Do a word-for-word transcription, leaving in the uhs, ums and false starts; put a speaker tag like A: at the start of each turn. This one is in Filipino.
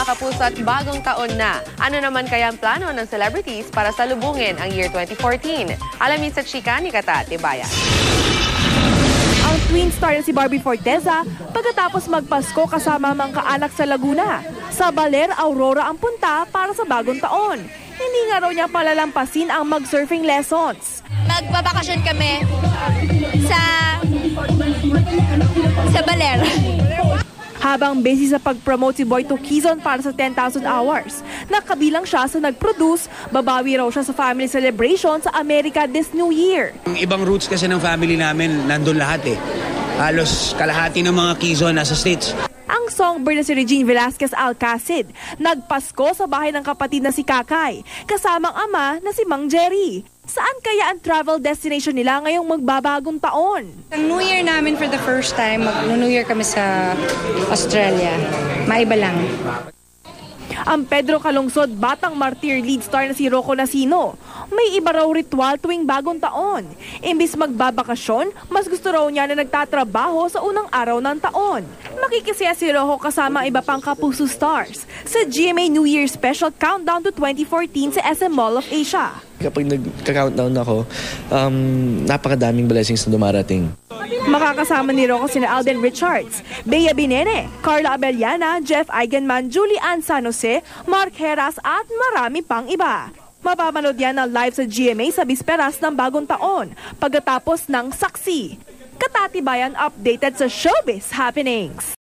A: mga kapuso at bagong taon na. Ano naman kaya ang plano ng celebrities para salubungin ang year twenty fourteen? Alamin sa chika ni Kata Tibayan.
B: Ang twin star na si Barbie Forteza pagkatapos magpasko kasama ang mga kaanak sa Laguna. Sa Baler, Aurora ang punta para sa bagong taon. Hindi nga raw niya palalampasin ang mag-surfing lessons.
C: Magbabakasyon kami sa sa Baler.
B: Habang busy sa pag-promote si Boy to Quezon para sa ten thousand hours, nakabilang siya sa nag-produce, babawi raw siya sa family celebration sa Amerika this New Year.
D: Ang ibang roots kasi ng family namin, nandun lahat eh. Halos kalahati ng mga Quezon nasa States.
B: Ang songbird na si Regine Velasquez Alcacid, nagpasko sa bahay ng kapatid na si Kakay, kasamang ama na si Mang Jerry. Saan kaya ang travel destination nila ngayong magbabagong taon?
E: Ang New Year namin for the first time, mag-New Year kami sa Australia. Maiba lang.
B: Ang Pedro Calungsod Batang Martir lead star na si Rocco Nacino, may iba raw ritual tuwing bagong taon. Imbis magbabakasyon, mas gusto raw niya na nagtatrabaho sa unang araw ng taon. Makikisaya si Rocco kasama ang iba pang kapuso stars sa G M A New Year Special Countdown to twenty fourteen sa S M Mall of Asia.
F: Kapag nag-countdown ako, um, napakadaming blessings na dumarating.
B: Makakasama ni Rocco sina Alden Richards, Bea Binene, Carla Abellana, Jeff Eigenman, Julie Ann San Jose, Mark Heras at marami pang iba. Mapapanood yan ang live sa G M A sa bisperas ng bagong taon pagkatapos ng Saksi. Katatibayan updated sa showbiz happenings.